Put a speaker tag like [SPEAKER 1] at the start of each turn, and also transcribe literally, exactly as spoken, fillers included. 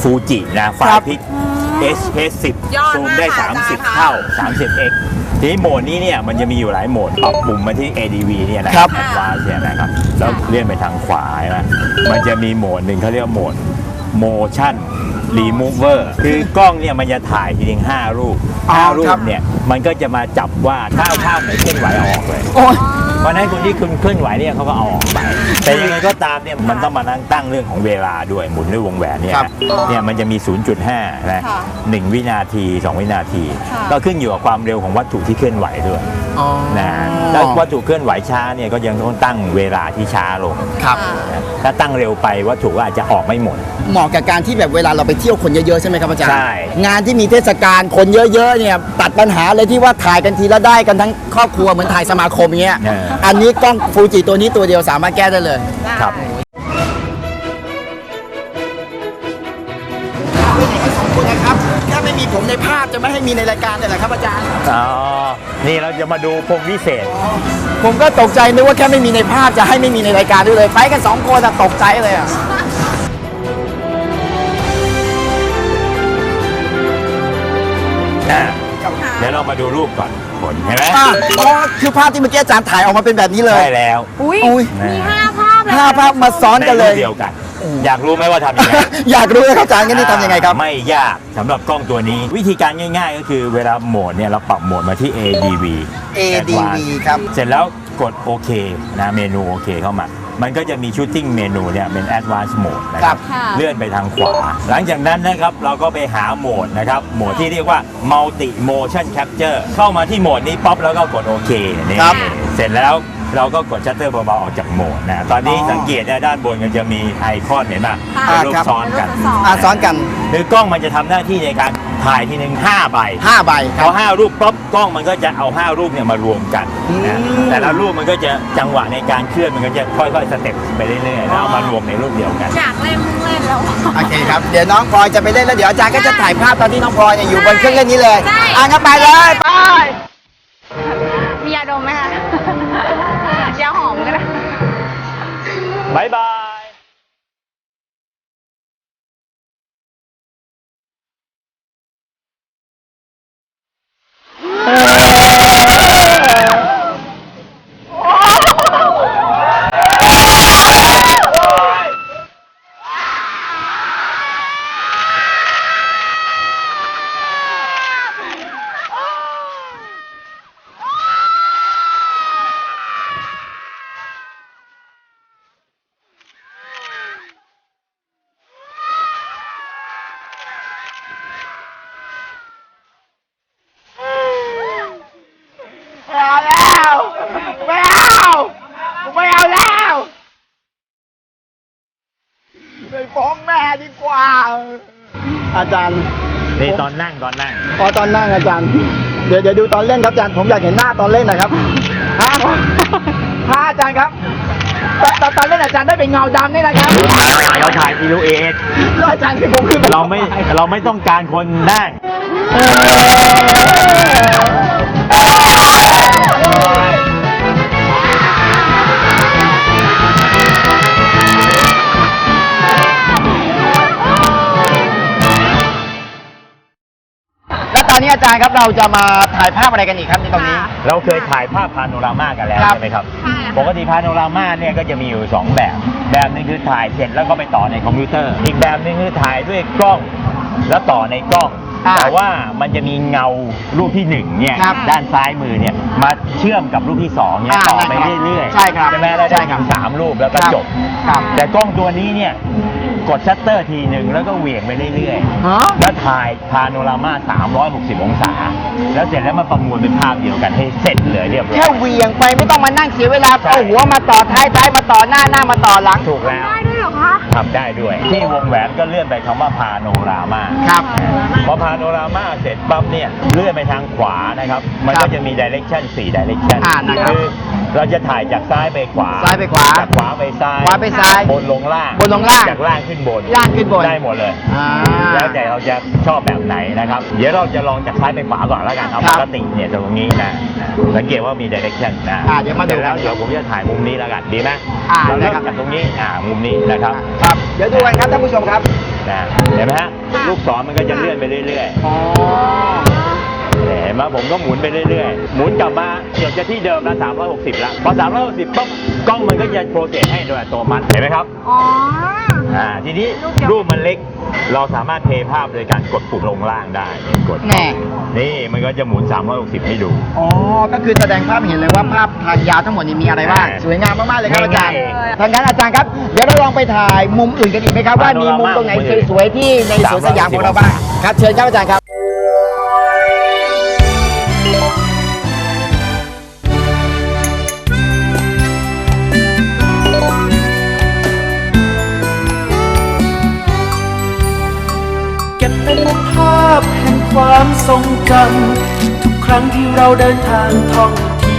[SPEAKER 1] ฟูจินะไฟล์พิก เอช เอส สิบ ซูมได้ สามสิบ เท่า สามสิบเอ็กซ์ ทีนี้โหมดนี้เนี่ยมันจะมีอยู่หลายโหมดปรับปุ่มมาที่ เอ ดี วี เนี่ยนะครับแอดวานซ์เนี่ยนะครับแล้วเลื่อนไปทางขวาใช่ไหมมันจะมีโหมดหนึ่งเขาเรียกว่าโหมด motion remover คือกล้องเนี่ยมันจะถ่ายทีนึงห้ารูปห้ารูปเนี่ยมันก็จะมาจับว่าถ้าภาพไหนเคลื่อนไหวเอาออกเลยเพราะนั้นคนที่คุณเคลื่อนไหวเนี่ยเขาก็เอาออกไปแต่ยังไงก็ตามเนี่ยมันต้องมานั่งตั้งเรื่องของเวลาด้วยหมุนด้วยวงแหวนเนี่ยเนี่ยมันจะมี ศูนย์จุดห้า นะหนึ่งวินาทีสองวินาทีก็ขึ้นอยู่กับความเร็วของวัตถุที่เคลื่อนไหวด้วยนะแล้ววัตถุเคลื่อนไหวช้าเนี่ยก็ยังต้องตั้งเวลาที่ช้าลง
[SPEAKER 2] ครับ
[SPEAKER 1] ถ้าตั้งเร็วไปวัตถุก็อาจจะออกไม่หมด
[SPEAKER 2] เหมาะกับการที่แบบเวลาเราไปเที่ยวคนเยอะๆใช่ไหมครับอาจารย์
[SPEAKER 1] ใช่
[SPEAKER 2] งานที่มีเทศกาลคนเยอะๆเนี่ยตัดปัญหาเลยที่ว่าถ่ายกันทีละได้กันทั้งครอบครัวเหมือนถ่ายสมาคมเงี้ยอันนี้กล้องฟูจิตัวนี้ตัวเดียวสามารถแก้ได้เลย
[SPEAKER 1] ครับ
[SPEAKER 2] สองคนนะครับถ้าไม่มีผมในภาพจะไม่ให้มีในรายการเลยเหรอครับอาจารย์
[SPEAKER 1] อ๋อนี่เราจะมาดูพรมวิเศษ
[SPEAKER 2] ผมก็ตกใจนึกว่าแค่ไม่มีในภาพจะให้ไม่มีในรายการด้วยเลยไปกันสองคนแต่ตกใจเลยอ่ะ
[SPEAKER 1] เดี๋ยวเรามาดูรูปก่อนผลเห็นไหม
[SPEAKER 2] อ๋อคือภาพที่เมื่อกี้อาจารย์ถ่ายออกมาเป็นแบบนี้เลย
[SPEAKER 1] ใช่แล้ว
[SPEAKER 3] อุ้ยมีห้าภาพ
[SPEAKER 2] ห้าภาพมาซ้อนกันเลย
[SPEAKER 1] เดียวกันอยากรู้ไหมว่าทำยังไง
[SPEAKER 2] อยากรู้เลยครับอาจารย์งั้นนี่ทำยังไงครับ
[SPEAKER 1] ไม่ยากสำหรับกล้องตัวนี้วิธีการง่ายๆก็คือเวลาโหมดเนี่ยเราปรับโหมดมาที่ เอ ดี วี
[SPEAKER 2] เอ ดี วี ครับ
[SPEAKER 1] เสร็จแล้วกดโอเคนะเมนูโอเคเข้ามามันก็จะมีชูตติ้งเมนูเนี่ยเป็น Advanced Mode นะครับเลื่อนไปทางขวาหลังจากนั้นนะครับเราก็ไปหาโหมดนะครับโหมดที่เรียกว่า Multi Motion Capture เข้ามาที่โหมดนี้ป๊อปแล้วก็กดโอเคนี่เสร็จแล้วเราก็กดชัตเตอร์เบาๆออกจากโหมดนะตอนนี้สังเกตนะด้านบนมันจะมีไอคอนเห็นไหมเป็นรูปซ้อนกัน
[SPEAKER 2] ซ้อนกัน
[SPEAKER 1] คือกล้องมันจะทำหน้าที่ในการถ่ายทีหนึ่งห้าใบ
[SPEAKER 2] ห้าใบ
[SPEAKER 1] พอห้ารูปป๊อปกล้องมันก็จะเอาห้ารูปเนี่ยมารวมกันนะแต่ละรูปมันก็จะจังหวะในการเคลื่อนมันก็จะค่อยๆสเต็ปไปเรื่อยๆแล้วเอามารวมในรูปเดียวกัน
[SPEAKER 3] อยากเล่นเล่นแล้ว
[SPEAKER 2] โอเคครับเดี๋ยวน้องพลอยจะไปเล่นแล้วเดี๋ยวอาจารย์ก็จะถ่ายภาพตอนที่น้องพลอยอยู่บนเครื่องเล่นนี้เลยอ่ะงั้นไปเลยไป
[SPEAKER 3] มียาดมไหมคะยาหอมก็ได้
[SPEAKER 1] บายบาย
[SPEAKER 2] ไปฟ้องแม่ดีกว่าอาจารย์
[SPEAKER 1] นี่ตอนนั่งตอนนั่ง
[SPEAKER 2] อ๋อตอนนั่งอาจารย์เดี๋ยวเดี๋ยวดูตอนเล่นครับอาจารย์ผมอยากเห็นหน้าตอนเล่นหน่อยครับฮะฮะอาจารย์ครับตอนตอนเล่นอาจารย์ได้เป็นเงาดำนี่นะครับ
[SPEAKER 1] เราถ่ายซีลูเอท
[SPEAKER 2] แล้วอาจารย์คือผมคือ
[SPEAKER 1] เราไม่เราไม่ต้องการคนนั่ง
[SPEAKER 2] ตอนนี้อาจารย์ครับเราจะมาถ่ายภาพอะไรกันอีกครับในตรงนี้
[SPEAKER 1] เราเคยถ่ายภาพพาโนรามากันแล้วใช่ไหมครับปกติพาโนรามาเนี่ยก็จะมีอยู่สองแบบแบบนึงคือถ่ายเสร็จแล้วก็ไปต่อในคอมพิวเตอร์อีกแบบนึงคือถ่ายด้วยกล้องแล้วต่อในกล้องแต่ว่ามันจะมีเงารูปที่หนึ่งเนี่ยด้านซ้ายมือเนี่ยมาเชื่อมกับรูปที่สองเนี่ยต่อไปเรื่อยๆ
[SPEAKER 2] ใช่ครับ
[SPEAKER 1] ใช่ไหมแล้วได้ถึงสามรูปแล้วก็จบแต่กล้องตัวนี้เนี่ยกดชัตเตอร์ทีหนึ่งแล้วก็เหวี่ยงไปเรื่อยๆแล้วถ่ายพาโนรามาสามร้อยหกสิบองศาแล้วเสร็จแล้วมาประมวลเป็นภาพเดียวกันให้เสร็จเลยเรียบร้อย
[SPEAKER 2] แค่เหวี่ยงไปไม่ต้องมานั่งเสียเวลาเอาหัวมาต่อท้ายท้ายมาต่อหน้าหน้ามาต่อหลัง
[SPEAKER 1] ถูกแล้ว
[SPEAKER 3] ได้ด้วยเหรอคะ
[SPEAKER 1] ทำได้ด้วยที่วงแหวนก็เลื่อนไปคำว่าพาโนรามา
[SPEAKER 2] ครับ
[SPEAKER 1] พอพาโนรามาเสร็จปั๊บเนี่ยเลื่อนไปทางขวานะครับมันก็จะมีดิเรกชันสี่ดิเรกชันคือเราจะถ่ายจากซ้ายไปขวา
[SPEAKER 2] ซ้ายไปขวา
[SPEAKER 1] จากขวาไปซ้าย
[SPEAKER 2] ขวาไปซ้าย
[SPEAKER 1] บนลงล่าง
[SPEAKER 2] บนลงล่าง
[SPEAKER 1] จากล่างขึ้นบน
[SPEAKER 2] ล่างขึ้นบน
[SPEAKER 1] ได้หมดเลยแล้วแต่เราจะชอบแบบไหนนะครับเดี๋ยวเราจะลองจากซ้ายไปขวาก่อนแล้วกันเอาปกติเนี่ยตรงนี้นะสังเกตว่ามีดิเรกชันนะ
[SPEAKER 2] เดี๋ยวมาดู
[SPEAKER 1] แล้วเดี๋ยวผมจะถ่ายมุมนี้แล้วกันดีไหมเราเริ่มจากตรงนี้อ่ามุมนี้นะครับ
[SPEAKER 2] ครับเดี๋ยวดูกันครับท่านผู้ชมครับ
[SPEAKER 1] นะเห็นไหมฮะลูกศรมันก็จะเลื่อนไปเรื่อยๆ
[SPEAKER 2] อ๋อ
[SPEAKER 1] เห็นไหมผมก็หมุนไปเรื่อยๆ หมุนกลับมาเดี๋ยวจะที่เดิมละสามร้อยหกสิบละพอสามร้อยหกสิบปุ๊บกล้องมันก็จะโปรเซสให้โดยอัตโนมัติเห็นไหมครับ
[SPEAKER 3] อ๋อ
[SPEAKER 1] อ่าทีนี้รูปมันเล็กเราสามารถเพลย์ภาพโดยการกดปุ่มลงล่างได้กด
[SPEAKER 2] แน่
[SPEAKER 1] นี่มันก็จะหมุนสามร้อยหกสิบให้ดู
[SPEAKER 2] อ๋อ ก็คือแสดงภาพเห็นเลยว่าภาพทางยาวทั้งหมดนี้มีอะไรบ้าง
[SPEAKER 1] อ่า
[SPEAKER 2] สวยงามมากๆเลยครับอาจารย์
[SPEAKER 1] ง่ายๆ
[SPEAKER 2] ทางนั้นอาจารย์ครับ เดี๋ยวเราลองไปถ่ายมุมอื่นกันอีกไหมครับว่ามีมุมตรงไหนสวยๆที่ในสวนสยามของเราบ้าง ครับ เชิญครับอาจารย์ครับ
[SPEAKER 4] เก็บเป็นภาพแห่งความทรงจำทุกครั้งที่เราเดินทางท่อง